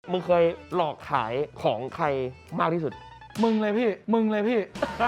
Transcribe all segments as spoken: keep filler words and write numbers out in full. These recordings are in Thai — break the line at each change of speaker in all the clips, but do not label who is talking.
มึงเคยหลอกขายของใครมากที่สุด
มึงเลยพี่มึงเลยพี่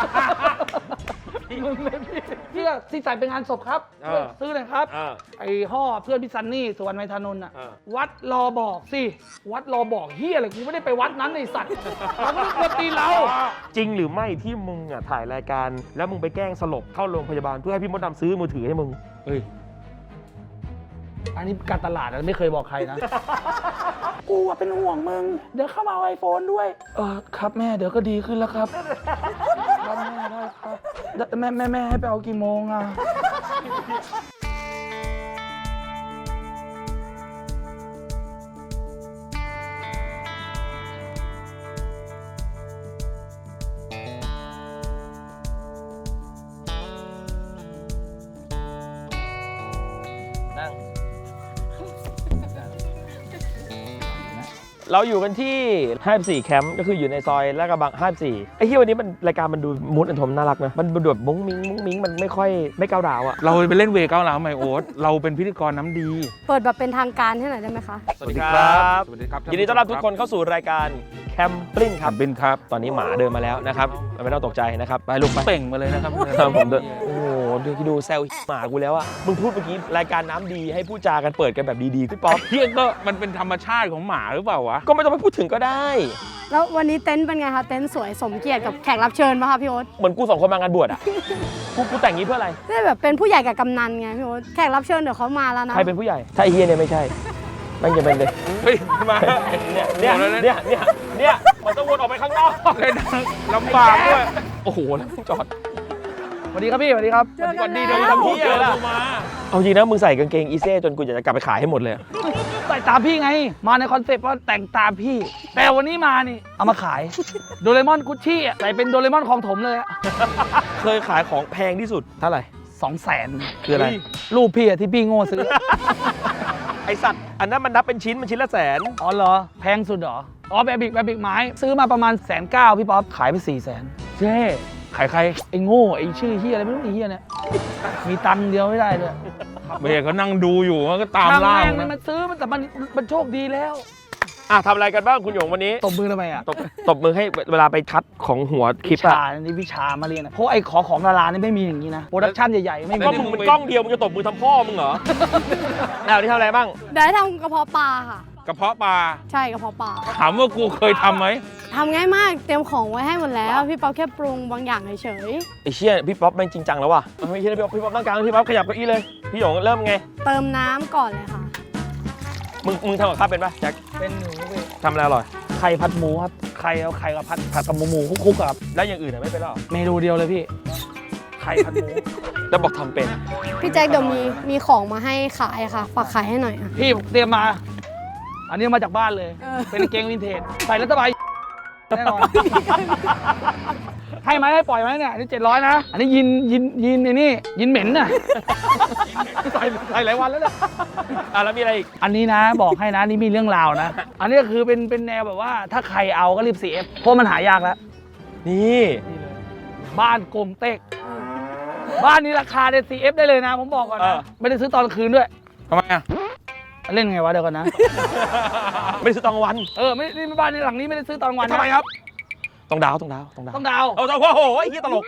มึงเลยพี่พี่ที่ใส่เป็นงานศพครับซื้อเลยครับไอ้ห่อเพื่อนพี่ซันนี่สุวรรณไมธานนท์อ่ะวัดรอบอกสิวัดรอบอกเฮียอะไรกูไม่ได้ไปวัดนั้นไอ้สัตว์เราก็เลือกตีเรา
จริงหรือไม่ที่มึงอ่ะถ่ายรายการแล้วมึงไปแกล้งสลบเข้าโรงพยาบาลเพื่อให้พี่มดดำซื้อมือถือให้มึงเฮ้ย
อันนี้การตลาดนะไม่เคยบอกใครนะกูเป็นห่วงมึงเดี๋ยวเข้ามาเอาไอโฟนด้วยเออครับแม่เดี๋ยวก็ดีขึ้นแล้วครับครับแม่ได้ครับแม่แม่แม่ให้ไปเอากี่โมงอ่ะ
เราอยู่กันที่ห้าสิบสี่แคมป์ก็คืออยู่ในซอยลาดกระบังห้าสิบสี่ไอ้ที่วันนี้มันรายการมันดูมูดอันทมน่ารักนะมันดูแบบมุ้งมิ้งมุ้งมิ้งมันไม่ค่อยไม่ก้าวร้าวอ่ะ
เราไปเล่นเวก้าวร้าวไหมโอ๊ตเราเป็นพิธีกรน้ำดี
เปิดแบบเป็นทางการให้หน่อยได้ไหมคะ
สวัสดีครับ
สวัสดีครับ
ยินดีต้อนรับทุกคนเข้าสู่รายการแคมปิ้งครับ
บินครับ
ตอนนี้หมาเดินมาแล้วนะครับไม่ต้องตกใจนะครับไปลูกไป
เป่งมาเลยนะครับ
ผมเดินโอ้โหดูดูแซวหมากูแล้วอะมึงพูดเมื่อกี้รายการน้ำดีให้พูดจากันเปิดกันแบบดีๆพี่ป๊อป
เพี้ยก็มันเป็นธรรมชาติของหมาหรือเปล่าวะ
ก็ไม่ต้องไปพูดถึงก็ได้
แล้ววันนี้เต็นท์เป็นไงคะเต็นท์สวยสมเกียรติกับแขกรับเชิญป่ะคะพี่โอ๊ต
เหมือนกูสองคนมางานบวชอะกูกูแต่งงี้เพื่ออะไร
ได้แบบเป็นผู้ใหญ่กับกำนันไงพี่โอ๊ตแขกรับเชิญเดี๋ยวเขามาแล้วนะ
ใครเป็นผู้ใหญ่ถ้าไอ้เฮียเนี่ยไม่ใช่มันจะเป็นเลย
เฮ้ยมา
เนี่ยเนี่ยเนี่ยเนี่ยเนี่ยมันต้องวนออกไปข้างนอก
เลยลำบากด้วย
โอ้โหแล้วจอด
สวัสดีครับพี่สวัสดีครับ
สวัสดี
เดี๋ยวทำพี่อะไรมาเอาจริงนะมึงใส่กางเกงอีเซ่จนกูอยากจะกลับไปขายให้หมดเลย
ใส่ตามพี่ไงมาในคอนเซ็ปต์ว่าแต่งตามพี่แต่วันนี้มานี่เอามาขายโดเรมอนกุชชี่ใส่เป็นโดเรมอนของถมเลย
เคยขายของแพงที่สุดเท่าไหร่
สองแสน
คืออะไร
รูปพี่อะที่พี่โง่ซื้อ
ไอสัตว์อันนั้นมันนับเป็นชิ้นมันชิ้นละแสน
อ๋อเหรอแพงสุดเหรออ๋อแบบบิกแบบบิกไม้ซื้อมาประมาณแสนเก้าพี่ป๊อปขายไปสี่แสนเจ๊
ขายใคร
ไอ้โง่ไอ้ชื่อเฮียอะไรไม่รู้ไอ้เฮียเนี่ยมีตังค์เดียวไม่ได้เลย
เมียเขานั่งดูอยู่มันก็ตามล่า
มันมันซื้อมันแต่มันมันโชคดีแล้ว
อ่ะทำอะไรกันบ้างคุณหยงวันนี้
ตบมือทำไมอ่ะ
ตบตบมือให้เวลาไปคัดของหัวคลิปอะ
วิชานี่วิชามาเรียนนะเพราะไอ้ขอของดารานี่ไม่มีอย่างนี้นะโปรดักชั่นใหญ่ๆไม่มี
ก็มึงเป็นกล้องเดียวมึงจะตบมือทำพ่อมึงเหรอแล้วนี่ทำอะไรบ้าง
เดี๋ยวทำกระเพาะปลาค่ะ
กระเพาะปลา
ใช่กระเพาะปลา
ถามว่ากูเคยทำไหม
ทำง่ายมากเตรียมของไว้ให้หมดแล้วพี่ป๊อปแค่ปรุงบางอย่างเฉย
ไอ้เชี่ยพี่ป๊อปแม่งจริงจังแล้วว่ะไม่ใช่พี่ป๊อปพี่ป๊อปตั้งกลางพี่ป๊อปขยับเก้าอี้เลยพี่หยงเริ่มไง
เติมน้ำก่อนเลยค่ะ
มึงมึงทำกับข้าวเป็นปะแจ็ค
เป็นหนู
ทำอะไรอร่อย
ไข่ผัดหมูครับไข่เอาไข่กับผัดผัดกับหมูหมูคุกๆครับ
แล้วอย่างอื่นไม่เป็นหรอ
เมนูเดียวเลยพี่ไข่ผัดหมู
แล้วบอกทำเป็น
พี่แจ็คเดี๋ยวมีมีของมาให้ขายค่ะฝากขายให้หน่อย
พี่เตรียมมาอันนี้มาจากบ้านเลยเป็นเกงวินเทจใส่แล้วสบายแน่นอนให้ไหมให้ปล่อยไหมเนี่ยนี่เจ็ดร้อยนะอันนี้ยินยินยินไอ้นี่ยินเหม็นน่ะใส่ใส่หลายวันแล้วเนี่ย
อ่ะแล้วมีอะไรอีก
อันนี้นะบอกให้นะนี่มีเรื่องราวนะอันนี้คือเป็นเป็นแนวแบบว่าถ้าใครเอาก็รีบ ซี เอฟ เพราะมันหายากแล้ว
นี่
บ้านกลมเต็กบ้านนี้ราคาเนี่ย ซี เอฟ ได้เลยนะผมบอกก่อนนะไม่ได้ซื้อตอนคืนด้วย
ทำไมอ่ะ
เล่นไงวะเดี๋ยวก่อนนะ
ไม่ได้ซื้อตอนวัน
เออไม่นี่บ้านในหลังนี้ไม่ได้ซื้อตอนวัน
ทำไมครับต้องดาวต้องดาวต้องดาว
ต้องดาว
เอาเจ้าโอ้โหไอ้เหี้ยตลก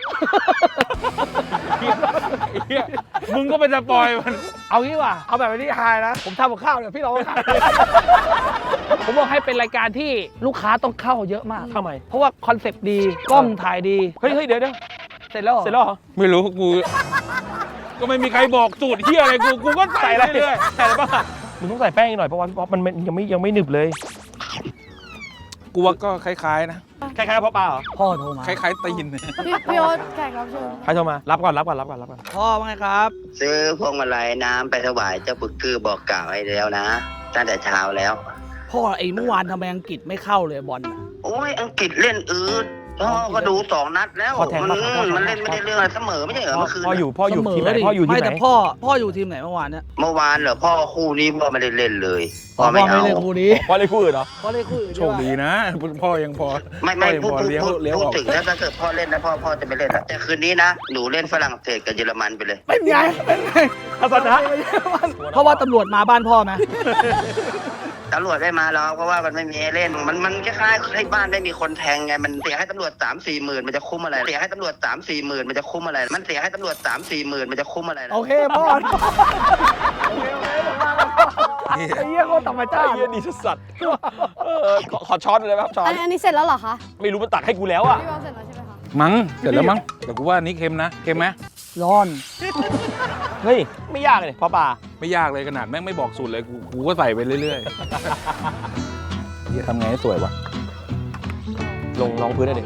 มึงก็เป็นสปอยมัน
เอางี้ว่ะเอาแบบนี้ไฮนะผมทำกับข้าวเนี่ยพี่เราผมบอกให้เป็นรายการที่ลูกค้าต้องเข้าเยอะมาก
ทำไม
เพราะว่าคอนเซ็ปต์ดีกล้องถ่ายดี
เฮ้ยเฮ้ยเดี๋ยวเดี๋ยว
เสร็จแล้ว
เสร็จแล้วเหรอ
ไม่รู้กูก็ไม่มีใครบอกสูตรเหี้ยอะไรกูกูก็ใส่เรื่อย
ๆใส่อะไรบ้างมึงต้องใส่แป้งหน่อยเพราะว่าพี่ป๊อปมันยังไม่ยังไม่หนึบเลย
กูว่าก็คล้ายๆนะ
คล้ายๆพ่อปลาเหรอ
พ่อโทรมา
คล้ายๆตีน
พี่พี่โอ๊ตแขกรับเชิญ
ใครโทรมารับก่อนรับก่อนรับก่อนรับก่อน
พ่อว่าไงครับ
ซื้อพวงมาลัยน้ำไปถวายเจ้าปุกคือบอกกล่าวให้แล้วนะตั้งแต่เช้าแล้ว
พ่อไอ้เมื่อวานทำไมอังกฤษไม่เข้าเลยบอล
โอ้ยอังกฤษเล่นอืดพ่อก็ดูสองนัดแล้วมันมันเล่นไม่ได้เรื่องอะไรเสมอไม่ใช่เหรอเมื่อคืน
พ่ออยู่พ่ออยู่ทีมไหนพ่ออยู่ทีมไหน
ไม่แต่พ่อพ่ออยู่ทีมไหนเมื่อวานเนี่ย
เมื่อวานเหรอพ่อคู่นี้พ่อไม่ได้เล่นเลย
พ่อไม่เล่นคู่นี้
พ่อเล่นคู่อื่นเหรอ
พ่อเล่นคู่อื่น
โชคดีนะพ่อยังพอ
ไม่ไม่พูดพูดถึงแล้วถ้าเกิดพ่อเล่นนะพ่อพ่อจะไม่เล่นแต่คืนนี้นะหนูเล่นฝรั่งเศสกับเยอรมันไปเลย
เป็นไงเป็นไง
ทัศนะ
เพราะว่าตำรวจมาบ้านพ่อไหม
ตำรวจไม่มาแล้วเพราะว่ามันไม่มีให้เล่นมันมันคล้ายๆให้บ้านไม่มีคนแทงไงมันเสียให้ตำรวจสามสี่หมื่นมันจะคุ้มอะไรเสียให้ตำรวจสามสี่หมื่นมันจะคุ้มอะไรมันเสียให้ตำรวจสามสี่หมื่นมันจะคุ้มอะไร
โอเคพ่อโอเคโอเคไอ้เหี้ยโคตรธรรมชา
ไอ้
ติ
เหี้ยดีสัสๆเออขอขอช้อนเลยครับช้อ
อั
น
นอันนี้เสร็จแล้วเหรอคะ
ไม่รู้มันตักให้กูแล้วอ่ะ
พี่เปาเสร็จแล้วใช่ไหมคะ
มั้งเสร็จแล้วมั้งแต่กูว่าอันนี้เค็มนะเค็มไหม
ร้อน
เฮ้ยไม่ยากเลยเพราะปลา
ไม่ยากเลยขนาดแม่งไม่บอกสูตรเลยกูกูก็ใส่ไปเรื่อยๆเฮียทำไงให้สวยวะ
ลงรองพื้นได้ดิ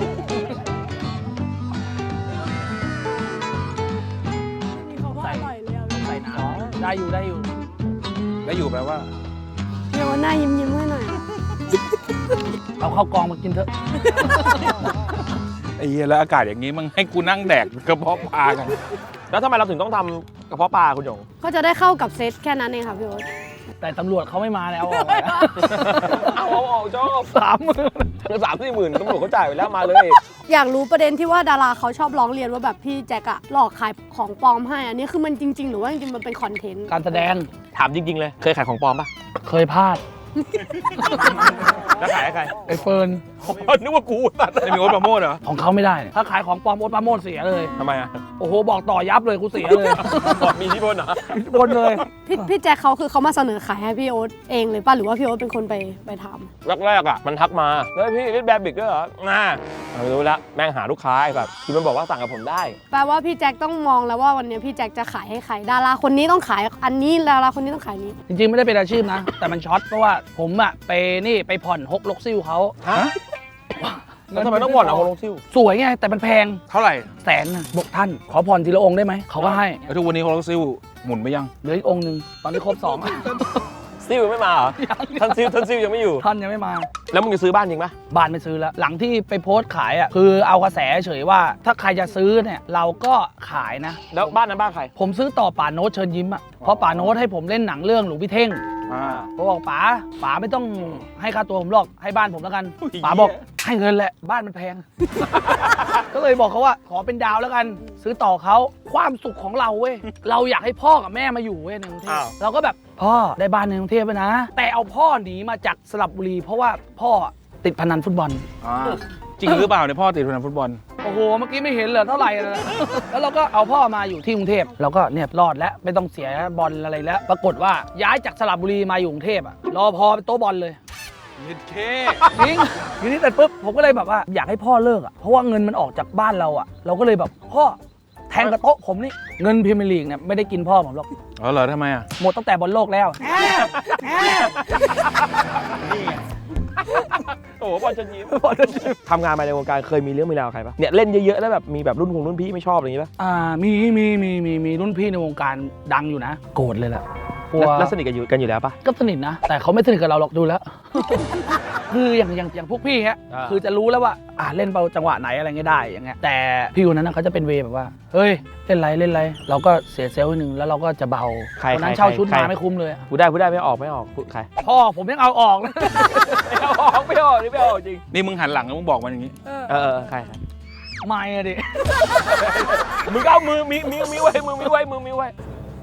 ใส่ใส่น้ำได้อยู่ได้อยู่
แล้วอยู่แปลว่า
เดี๋ยวหน้ายิ้มยิ้มๆให้หน่อย
เอาข้าวกองมากินเถอะ
ไอ้เฮียแล้วอากาศอย่างนี้มึงให้กูนั่งแดกกระเพาะปลากัน
แล้วทำไมเราถึงต้องทำกระเพาะปลาคุณหยง
ก็จะได้เข้ากับเซตแค่นั้นเองค่ะพี่โอ๊ต
แต่ตำรวจเขาไม่มาเนี่ยเอาออกเลยนะ
เอาเอาออกชอบ
สามหมื่น
สามสี่หมื่นตำรวจเขาจ่ายไปแล้วมาเลย
อยากรู้ประเด็นที่ว่าดาราเขาชอบร้องเรียนว่าแบบพี่แจ็คอะหลอกขายของปลอมให้อันนี้คือมันจริง ๆ หรือว่าจริงๆมันเป็นคอนเทนต์
การแสดง
ถามจริง ๆ เลย เคยขายของปลอมปะ
เคยพลาด
แล้วขายให้ใคร
ไอ้เฟิร์น
นึกว่ากูตัด
ไม่มีโอ๊ตปราโมทเหรอ
ของเขาไม่ได้เนี่ยถ้าขายของปลอมโอ๊ตปราโมทเสียเลย
ทำไมอ่ะ
โอ้โหบอกต่อยับเลยกูเสียเลย
บอกมีที่พลเหรอบ
นเลย
พี่พี่แจ็คเขาคือเขามาเสนอขายให้พี่โอ๊ตเองเลยป่ะหรือว่าพี่โอ๊ตเป็นคนไปไปทำ
แรกๆอ่ะมันทักมาเฮ้ยพี่เล่นแบบบิกด้วยเหรอน่าไม่รู้ละแม่งหาลูกค้าแบบคือมันบอกว่าสั่งกับผมได้
แปลว่าพี่แจ็คต้องมองแล้วว่าวันนี้พี่แจ็คจะขายให้ใครดาราคนนี้ต้องขายอันนี้ดาราคนนี้ต้องขายนี้
จริงๆไม่ได้เป็นอาชีพนะ แต่มันช็อตเพราะว่าผมอะไปนี่ไปผ่อนฮกลกซิ่วเขา
ฮะ แล้วทำไมต้องบ่นเอาโฮลงซิ่ว
สวยไงแต่มันแพง
เท่าไหร่
แสนน่ะบอกท่าน ขอผ่อนทีละองค์ได้ไหมเขาก็ให้
แล้วทุกวันนี้โฮโลซิลหมุนไปยัง
เหลืออีกองค์หนึ่งตอนนี้ครบสอง
ซิ่วไม่มาเหรอท่านซิ่วท่านซิ่วยังไม่อยู่
ท่านยังไม่มา
แล้วมึงจะซื้อบ้านจริงปะ
บ้านไม่ซื้อแล้ว หลังที่ไปโพสต์ขายอ่ะคือเอากระแสเฉยว่า ถ้าใครจะซื้อเนี่ยเราก็ขายนะ
แล้วบ้านนั้นบ้านใคร
ผมซื้อต่อป่าโน้ตเชิญยิ้มอ่ะเพราะป่าโน้ตให้ผมเล่นหนังเรื่องหลวงพี่เท่ง
อ่า
ผมบอกป๋าป๋าไม่ต้องให้ค่าตัวผมหรอกให้บ้านผมแล้วกันป๋าบอกให้เงินแหละบ้านมันแพง ก็เลยบอกเขาว่าขอเป็นดาวแล้วกัน ซื้อต่อเขาความสุขของเราเว้ยเราอยากให้พ่อกับแม่มาอยู่เว้ยในกรุงเทพ
อ้าว
เราก็แบบพ่อได้บ้านในกรุงเทพไปนะ แต่เอาพ่อหนีมาจากสระบุรี เพราะว่าพ่อติดพนันฟุตบอล
อ่าจริงหรือเปล่าเนี่ยพ่อติดพนันฟุตบอล
โอ้โหเมื่อกี้ไม่เห็นเหรอเท่าไหร่นะ แล้วเราก็เอาพ่อมาอยู่ที่กรุงเทพเราก็เนี่ยรอดแล้วไม่ต้องเสียบอลอะไรแล้ว ปรากฏว่าย้ายจากสระบุรีมาอยู่กรุงเทพอะรอพอเป็นโต๊ะบอลเลย
นิดเค
จริงทีนี้แต่ปุ๊บผมก็เลยแบบว่าอยากให้พ่อเลิกอ่ะเพราะว่าเงินมันออกจากบ้านเราอ่ะเราก็เลยแบบพ่อแทงกระโต๊ะผมนี่เงินพรีเมียร์ลีกเนี่ยไม่ได้กินพ่อผมหรอก
อ๋อเหรอทำไมอ่ะ
หมดตั้งแต่บอลโลกแล้ว
โอ้โหบอลจะยิ้มทำงานมาในวงการเคยมีเรื่องมีราวกับใครปะเนี่ยเล่นเยอะๆแล้วแบบมีแบบรุ่นคงรุ่นพี่ไม่ชอบอะไรอย่างงี้ปะ
อ่ามีมีมีมีมีรุ่นพี่ในวงการดังอยู่นะ โกรธเลยแหละกลัว
แล้วแล้วสนิทกันอยู่กันอยู่แล้วปะ
ก็สนิทนะ แต่เขาไม่สนิทกับเราหรอกดูแล้ว คืออย่างอย่างอย่างพวกพี่ฮะ
อ่า
คือจะรู้แล้วว่าอ่าเล่นเบาจังหวะไหนอะไรเงี้ยได้อย่างเงี้ยแต่พี่คนนั้นนะเขาจะเป็นเวย์แบบว่าเฮ้ยเล่นไรเล่นไรเราก็เสียเซลล์นิดนึงแล้วเราก็จะเบา
ใคร
วันนั้น
ใคร
เช่าชุด
ใคร
มาไม่คุ้มเลยอะ
พูดได้พูดได้ไม่ออกไม่ออกพูดใคร
พ่อผมยังเอาออกเลย
ไม่ออกไม่ออกนี่ไม่ออกจริง
นี่มึงหันหลังแล้วมึงบอกมันอย่างนี้
เออเออใครใคร
ไม่อะดิ
มึงก็เอามือมีมีมีไว้มือมีไว้มือมีไว้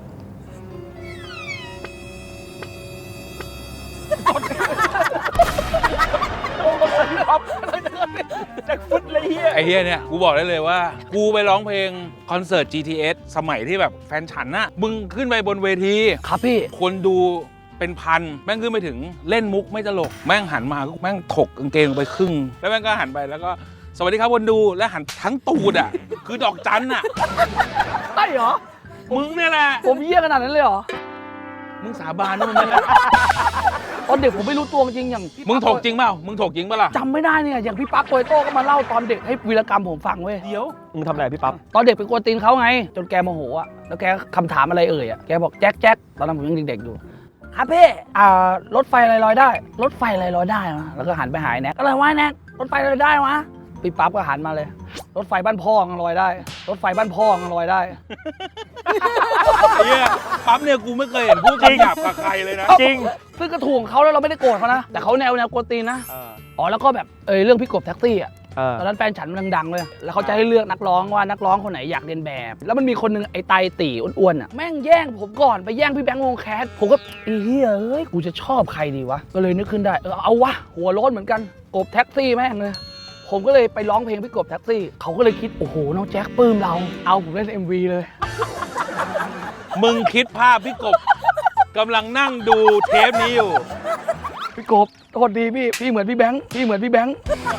จากฟุตเลยเฮีย
ไอ้เฮียเนี่ยกูบอกได้เลยว่า กูไปร้องเพลงคอนเสิร์ต จี ที เอส สมัยที่แบบแฟนฉันน่ะมึงขึ้นไปบนเวที
ครับพี่
คนดูเป็นพันแม่งขึ้นไปถึงเล่นมุกไม่ตลก แม่งหันมาแม่งถกกางเกงลงไปครึ่ง แล้วแม่งก็หันไปแล้วก็สวัสดีครับคนดูแล้วหันทั้งตูดอ่ะ คือดอกจันอ่ะ
ใช่เหรอ
มึงเนี่ยแหละ
ผมเยี่ยขนาดนั้นเลยเหรอ
มึงสาบานว่ามึงไม่ได้
ตอนเด็กผมไม่รู้ตัวจริงอย่างพี่
มึงถก
ปั๊บ
จริงเปล่ามึงถกจริงเปล่าล่ะ
จำไม่ได้เนี่ยอย่างพี่ปั๊บโตโต้ก็มาเล่าตอนเด็กให้วีรกรรมผมฟังเว้ย
เดี๋ยว
มึงทำอะไรพี่ปั๊บ
ตอนเด็กไปกวนตีนเขาไง จนแกโมโหอ่ะแล้วแกคำถามอะไรเอ่ยอ่ะแกบอกแจ็คแจ็คตอนนั้นผมยังเด็กๆอยู่ครับพี่อ่ารถไฟอะไรลอยได้รถไฟอะไรลอยได้วะแล้วก็หันไปหายแน็กอะไรวะแน็กรถไฟอะไรลอยได้วะพี่ปั๊บก็หันมาเลย รถไฟบ้านพ่อมันลอยได้ รถไฟบ้านพ่อมันลอยได้
ไอ้เหี้ยปั๊บเนี่ยกูไม่เคยเห็นพูดคำหยาบกับใครเลยนะ
จริง
ซึ่งกระถ่วงเขาแล้วเราไม่ได้โกรธเขานะแต่เขาแนวแนวกวนตีนนะ อ๋อแล้วก็แบบเออเรื่องพี่กบแท็กซี่อ่ะ
เออ
ตอนนั้นแฟนฉันมันดังๆเลยแล้วเขาจะให้เลือกนักร้องว่านักร้องคนไหนอยากเรียนแบบ แล้วมันมีคนหนึงไอ้ไตตีอ้วนๆอ่ะแม่งแย่งผมก่อนไปแย่งพี่แบงค์วงแคสผมก็ไอ้เหี้ยเอ้ยกูจะชอบใครดีวะก็เลยนึกขึ้นได้เออเอาวะหัวโล้นเหมือนกันกบแท็กซี่แม่งเลยผมก็เลยไปร้องเพลงพี่กบแท็กซี่เขาก็เลยคิดโอ้โหน้องแจ็คปลื้มเราเอาผมเล่น เอ็ม วี เลย
มึงคิดภาพพี่กบกำลังนั่งดูเทปนี้อยู่
พี่กบโทษดีพี่พี่เหมือนพี่แบงค์พี่เหมือนพี่แบงค์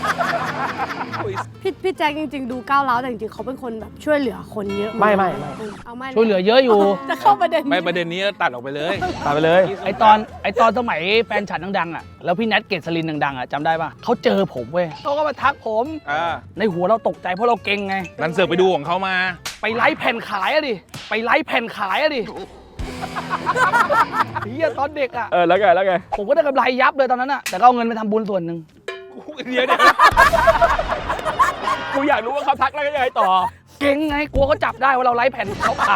พี่พี่แจ็คจริงๆดูก้าวร้าวแต่จริงๆเขาเป็นคนแบบช่วยเหลือคนเยอะ
ไม่ไม่ไม่
เออเอาไม่
ช่วยเหลือเยอะอยู่
จะเข้าประเด็น
ไม่ประเด็นนี้ตัดออกไปเลย
ตามไปเลย
ไอตอนไอตอนสมัยแฟนฉันดังๆอ่ะแล้วพี่แนทเกษรินดังๆอ่ะจำได้ป่ะเขาเจอผมเว้ยเขาก็มาทักผม
อ่า
ในหัวเราตกใจเพราะเราเก่งไง
นันเสือกไปดูของเขามา
ไปไลฟ์แผ่นขายอะดิไปไลฟ์แผ่นขายอะดิเฮียตอนเด็กอ่ะ
เออแล้วไงแล้วไง
ผมก็ได้กำไรยับเลยตอนนั้นอ่ะแต่ก็เอาเงินไปทำบุญส่วนหนึ่ง
เดี๋ยวเดี๋ยว
กูอยากรู้ว่าเขาทักแล้วก็ยังไงต่อ
เก่งไงกลัวเขาจับได้ว่าเราไลฟ์แผ่นเขาขาย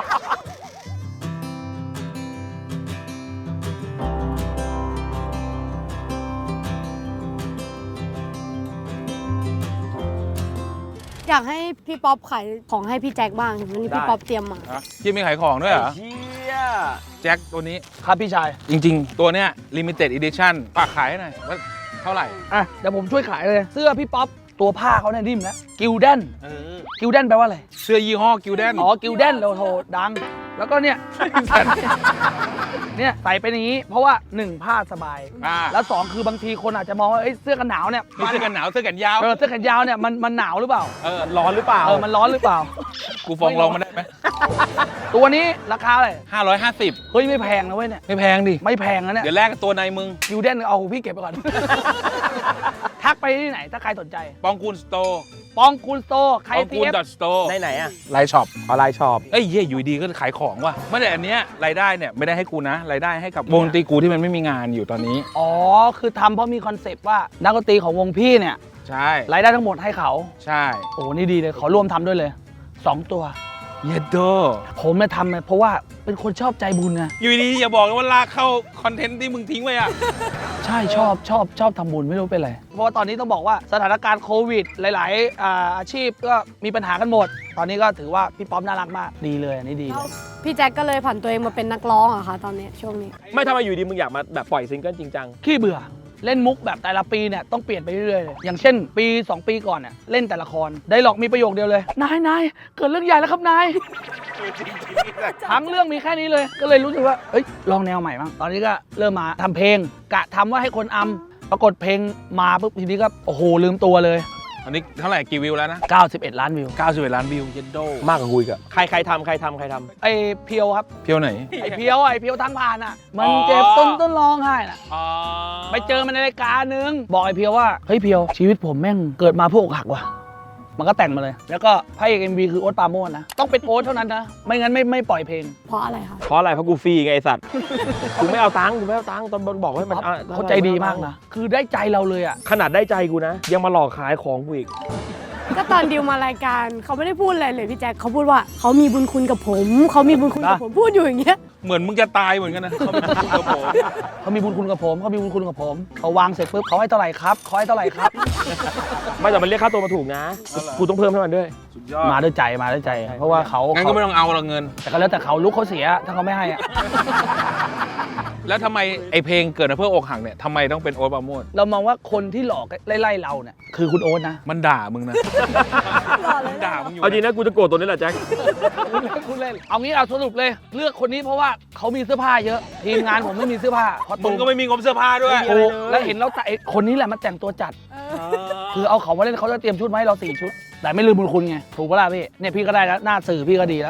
อยากให้พี่ป๊อปขายของให้พี่แจ็คบ้างวันนี้พี่
ได้
ป๊อปเตรียมมา
พี่มีขายของด้วยเหรอ
เชี่ย
แจ็คตัวนี้
ครับพี่ชาย
จริงๆ ตัวเนี้ย limited edition ฝากขายให้หน่อยว่าเท่าไหร่
อ่ะเดี๋ยวผมช่วยขายเลยเสื้อพี่ป๊อปตัวผ้าเขาเนี่ยนิ่มแล้วกิลเดน
เออ
กิลเดนแปลว่าอะไร
เสื้อยี่ห้อกิลแดน
อ๋อ กิลเดนเราโทรดัง แล้วก็เนี่ย เนี่ยใส่เป็นอย่างนี้ เพราะว่าหนึ่งผ้าสบาย
อ่า
แล้วสองคือบางทีคนอาจจะมองว่าเอ้ยเสื้อกันหนาวเนี่ย
มีเสื้อกันหนาวเสื้อกันยาว
เออเสื้อแขนยาวเนี่ยมันมันหนาวหรือเปล่า
เออ
ร้อนหรือเปล่า
เออมันร้อนหรือเปล่า
กูฟ้องร้องมาได้ไหม
ตัวนี้ราคาอะไร
ห้าร้อยห้าสิบ
เฮ้ยไม่แพงนะเว้ยเนี่ย
ไม่แพงดิ
ไม่แพงนะเนี่ย
เดี๋ยวแลกกับตัวในมึง
กิลเดนเอาพี่เก็บไปก่อน ทักไปที่ไหนถ้าใครสนใจ
ปองกูลสโตร์
ปองกูลสโตร์ใคร
ปอง
ซี
กูล
เอฟ
ดอทสโตร์
ไหนไหนอ่ะ
ไลน์ช็อป
ออนไลน์ช็อป
เอ้ยเหี้ยอยู่ดีก็ขายของว่ะไม่แต่อันเนี้ยรายได้เนี่ยไม่ได้ให้กูนะ รายได้ให้กับวงดนตรีกูที่มันไม่มีงานอยู่ตอนนี้
อ๋อ คือทำเพราะมีคอนเซปต์ว่านักดนตรีของวงพี่เนี่ย
ใช่
รายได้ทั้งหมดให้เขา
ใช่
โอ้นี่ดีเลย ขอร่วมทำด้วยเลยสองตัว
เยดโด
ผมเนี่ยทำเนี่ยเพราะว่าเป็นคนชอบใจบุญไง
อยู่ดีอย่าบอกนะว่าลากเข้าคอนเทนต์ที่มึงทิ้งไว้อะ
ใช่ชอบชอบชอบทำบุญไม่รู้เป็นไร เพราะว่าตอนนี้ต้องบอกว่าสถานการณ์โควิด หลาย ๆ อ่าอาชีพก็มีปัญหากันหมด ตอนนี้ก็ถือว่าพี่ป๊อปน่ารักมากดีเลยอันนี้ดีเล
แล้ว
ย
พี่แจ็คก็เลยผันตัวเองมาเป็นนักร้องอะค่ะตอนนี้ช่วงนี้
ไม่ทำไมอยู่ดีมึงอยากมาแบบปล่อยซิงเกิลจริงจัง
ขี้เบื่อเล่นมุกแบบแต่ละปีเนี่ยต้องเปลี่ยนไปเรื่อยๆเลยอย่างเช่น ปี สอง ปีก่อนเนี่ยเล่นแต่ละครได้หลอกมีประโยคเดียวเลยนายนายเกิดเรื่องใหญ่แล้วครับนายทั้งเรื่องมีแค่นี้เลย ก็เลยรู้สึกว่าเอ้ยลองแนวใหม่บ้างตอนนี้ก็เริ่มมาทำเพลงกะทำว่าให้คนอำปรากฏเพลงมาปุ๊บทีนี้ก็โอ้โหลืมตัวเลย
อันนี้เท่าไหร่กี่วิวแล้วนะ
เก้าสิบเอ็ดล้านวิว
เก้าสิบเอ็ดล้านวิวเยดโด
มากกว่ากูอีกอะใครใครทำใครทำใครทำ
ไอ้เพียวครับ
เพียวไหน
ไอ้เพียวไอ้เพียวทั้งผ่านอ่ะมัน
อ๋อ
เจ็บต้นต้นร้องไห้น่ะ
อ๋อ
ไปเจอมันในรายการนึงบอกไอ้เพียวว่าเฮ้ยเพียวชีวิตผมแม่งเกิดมาเพื่ออกหักว่ะมันก็แต่งมาเลย แล้วก็พระเอกเอ็มวีคือโอ๊ตปราโมชนะต้องเป็นโอ๊ตเท่านั้นนะไม่งั้นไม่ไม่ปล่อยเพลง
เพราะอะไรคะ
เพราะอะไรเพราะกูฟรีไงไอสัตว์ กูไม่เอาตังค์กูไม่เอาตังค์ตอนบอกให้มันอ่ะ
เขาใจดีมากนะคือได้ใจเราเลยอ่ะ
ขนาดได้ใจกูนะ ยังมาหลอกขายของกูอีก
ก็ตอนดิวมารายการเขาไม่ได้พูดอะไรเลยพี่แจ็คเขาพูดว่าเขามีบุญคุณกับผมเขามีบุญคุณกับผมพูดอยู่อย่างเงี้ย
เหมือนมึงจะตายเหมือนกันนะเขาไม่พูดกับผม
เขามีบุญคุณกับผมเขามีบุญคุณกับผมเขาวางเสร็จปุ๊บเขาให้เท่าไหร่ครับเขาให้เท่าไหร่ครับ
ไม่แต่มันเรียกค่าตัวมาถูกนะ กูต้องเพิ่มให้มันด้วย
สุดยอด
มาด้วยใจมาด้วยใจ เพราะว่าเขา
งั้นก็ไม่ต้องเอาละเงิน
แต่ก็แล้วแต่เขาลุกเขาเสียถ้าเขาไม่ให้อ่ะ
แล้วทำไมไอเพลงเกิดมาเพื่ออกหักเนี่ยทำไมต้องเป็นโอ๊ตปราโมช
เรามองว่าคนที่หลอกไล่ๆเราเนี่ยคือคุณโอ๊ตนะ
มันด่ามึงนะมันด่ามึงอยู่
เอาจริงนะกูจะโกรธตัวนี้แหละแจ็ค
คุณเล่นคุณเล่นเอางี้เอาสรุปเลยเลือกคนนี้เพราะว่าเขามีเสื้อผ้าเยอะทีมงานผมไม่มีเสื้อผ้าเพราะ
มึงก็ไม่มีงบเสื้อผ้าด้วย
ไม่มีอะไรเลย
แล้วเห็นแล้วแต่ไอ้คนนี้แหละมันแต่งตัวจัด คือเอาเขามาเล่นเขาจะเตรียมชุดมาให้เราสี่ชุด แต่ไม่ลืมบุญคุณไงถูกปะล่ะพี่เนี่ยพี่ก็ได้แล้วหน้าสื่อพี่ก็ดีแล้ว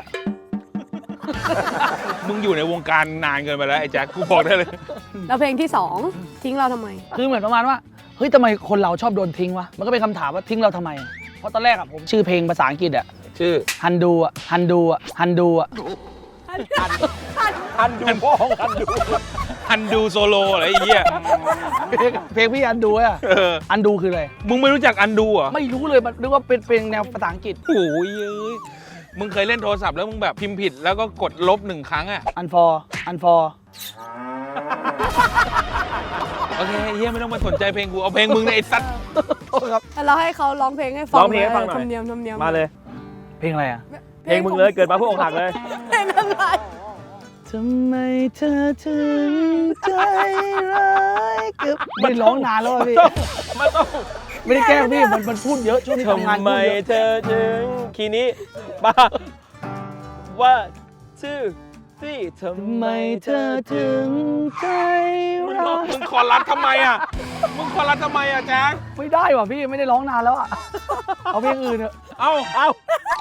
มึงอยู่ในวงการนานเกินไปแล้วไอ้แจ็คกูบอกได้เลย
แล้วเพลงที่สองทิ้งเราทำไม
คือเหมือนประมาณว่าเฮ้ยทำไมคนเราชอบโดนทิ้งวะมันก็เป็นคำถามว่าทิ้งเราทำไม เพราะตอนแรกอะผมชื่อเพลงภาษาอังกฤษอะ
ชื่อ
ฮันดูอะฮันดูอะฮันดูอะ
อันดูพ่อของอันดู
ฮันดูโซโลอะไรไอ้เหี้ย
เพลงเพลงพี่อันดูอะ
เออ
อันดูคืออะไร
มึงไม่รู้จักอันดูเหรอ
ไม่รู้เลยมันนึกว่าเป็นเพลงแนวภาษาอังกฤษ
โอ้ยเอ้ยมึงเคยเล่นโทรศัพท์แล้วมึงแบบพิมพ์ผิดแล้วก็กดลบหนึ่งครั้งอ่ะ
อันฟอร์อันฟอร์
โอเคเฮียไม่ต้องมาสนใจเพลงกูเอาเพลงมึงในไอ้สัตว์
โทษครับ
เราให้เขาร้องเพลงให้ฟัง
ร้องเพลงให้ฟังหน่อย
ธรรมเนียมธรรมเนียม
มาเลย
เพลงอะไรอ่ะ
เพลงมึงเลยเกิดมาเพื่ออกหักเลย
เพลงอะไร
ทำไมเธอถึงใจร้ายกับไม่ร้องนานแล้วอะพี่
มันต้อง
ไม่ได้แกล้งพี่มันมันพูดเยอะช่วงนี้ทำงาน
ทำไม
พูดเยอะ
เธอถึงคีย์นี้บ้าว่าชื่อที่ทำ
ทำ
ไม
ไม
เธ
เธ
อ
อ
ถึ
ถึ
ง
งใจ
มึง
ร้าย
มึงคอรัดทำไมอ่ะมึงคอรัดทำไมอ่ะแจ๊ค
ไม่ได้ว่ะพี่ไม่ได้ร้องนานแล้วอ่ะ เอาเพลงอื่นเถอะ
เอ้า
เอ้า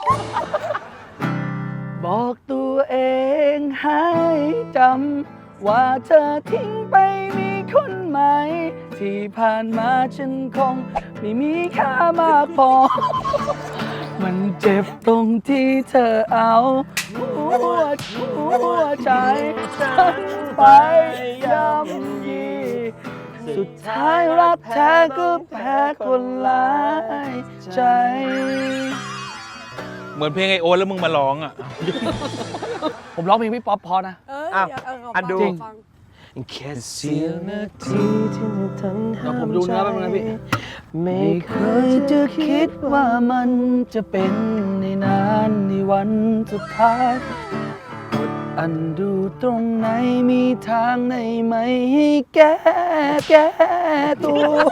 บอกตัวเองให้จำว่าเธอทิ้งไปมีคนใหม่ ที่ผ่านมาฉันคงไม่มีค่ามากพอ มันเจ็บตรงที่เธอเอาหัวหัวใจฉันไปย่ำยีสุดท้ายรักแท้ก็แพ้คนหลายใจ
เหมือนเพลงไอโอตแล้วมึงมาร้องอ่ะ
ผมร้องเพลงพี่ป๊อปพอนะ
เออ
อ้าว
เดี๋ยวเออ
อันดู
ขฟัง
แค่เสี้ยวนาทีที่เธอ
เดี๋ยวผมดูเนื้อแป๊บนึงนะพี่
ไม่
ไม่
เค
เค
ย
ย
จะ
จะ
คิ
คิ
ด
ดว่ามันจะเป็นในนานในวันสุดท้ายกดอันดูตรงไหนมีทางไหนไหมให้แก้แก้ตัว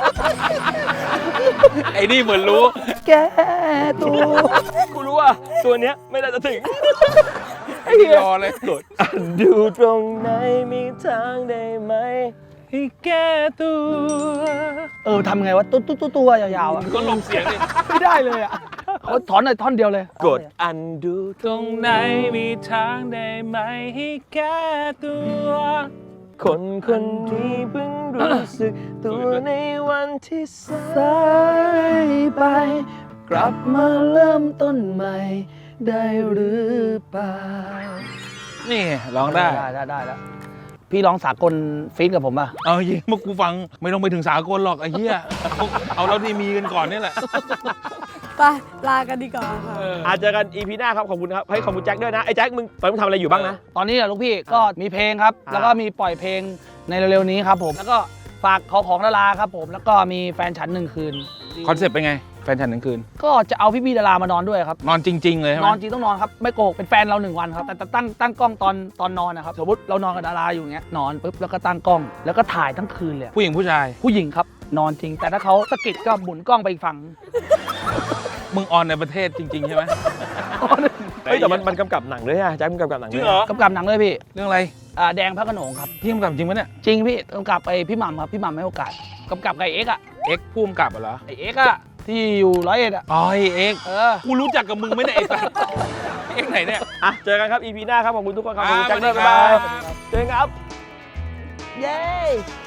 ไอ้นี่เหมือนรู้
แก้ตัว
กูรู้ว่าตัวเนี้ยไม่น่าจะถึง
ไอ้นี่รอเลยกด
อันดูตรงไหนมีทางได้ไหมให้แก้ตัว
เออทำไงวะตุ๊ตุ๊ตุ๊ตัวยาวๆอ่ะ
ก็ลงเสียงดิ
ไม่ได้เลยอ่ะเขาถอนหน่อยท่อนเดียวเลย
กดอันดู
ตรงไหนมีทางได้ไหมให้แก้ตัว
คนคนนี้เพิ่งรู้สึกตัวในวันที่สา
สายยไป กลับมาเริ่มต้นใหม่ ได้หรือเปล่า
นี่ร้องได้
ได้ได้ได้แล้วพี่ร้องสากลฟีดกับผมป่ะ
เอายิงเมื่อกูฟังไม่ต้องไปถึงสากลหรอกไอ้เหี้ยเอาเราที่มีกันก่อนนี่แหละ
ไปลากันดีกว่าค่ะ
เออ
อาจเจอกันอีพีหน้าครับขอบคุณครับให้ขอบคุณแจ็คด้วยนะไอ้แจ็คมึงตอนนี้มึงทำอะไรอยู่บ้างนะ
ตอนนี้อะลูกพี่ก็มีเพลงครับ
อ่า
แล้วก็มีปล่อยเพลงในเร็วๆนี้ครับผม แล้วก็ฝากขอของดาราครับผม แล้วก็มีแฟนฉันหนึ่งคืน
คอนเซ็ปต์เป็นไง แฟนฉันหนึ่งคืน
ก็จะเอาพี่ๆดารามานอนด้วยครับ
นอนจริง ๆ เลยใช่ไห
น
ม
อนจริงต้องนอนครับ ไม่โกหกเป็นแฟนเราหนึ่งวันครับ แต่แต่ตั้งตั้งกล้องตอนตอนนอนนะครับ สมมติเรานอนกับดาราอยู่อย่างเงี้ย นอนปุ๊บแล้วก็ตั้งกล้อง แล้วก็ถ่ายทั้งคืนเลย
ผู้หญิงผู้ชาย
ผู้หญิงครับ นอนจริง แต่ถ้าเขาสะกิดก็หมุนกล้องไปอีกฝั่ง
มึงออนในประเทศจริง ๆ ใช่ไหม
เฮ้ยแต่มันมันกำกับหนังด้วยอะแจ็คมันกำกับหนัง
จ
ด้
ริ
วย
งเหรอ
กำกับหนังเลยพี่
เรื่องอะไร
อ่าแดงพระโขนงครับ
พี่กำกับจริงปะเนี่ย
จริงพี่กำกับไปพี่หม่ำครับ พี่หม่ำให้โอกาสกำกับกับไอ้เอ็กซ์อะ
เอ็กซ์ผู้กำกับเหรอ
ไอ้เอ็กซ์อะที่อยู่ร้อยเอ็ดอะ
อ๋อไอ้เอ็กซ์
เออ
กูรู้จักกับมึงไหม่ได้ไอ้สัสเอ็กซ์ไหนเนี่ย
อ่ะเจอกันครับอีพีหน้าครับขอบคุณทุกคนครับขอบคุณ
อ่า
แจ็คด้วย
สวั
บ๊าย
สดี
บาย
ครับ
เจอกันครับ
เย้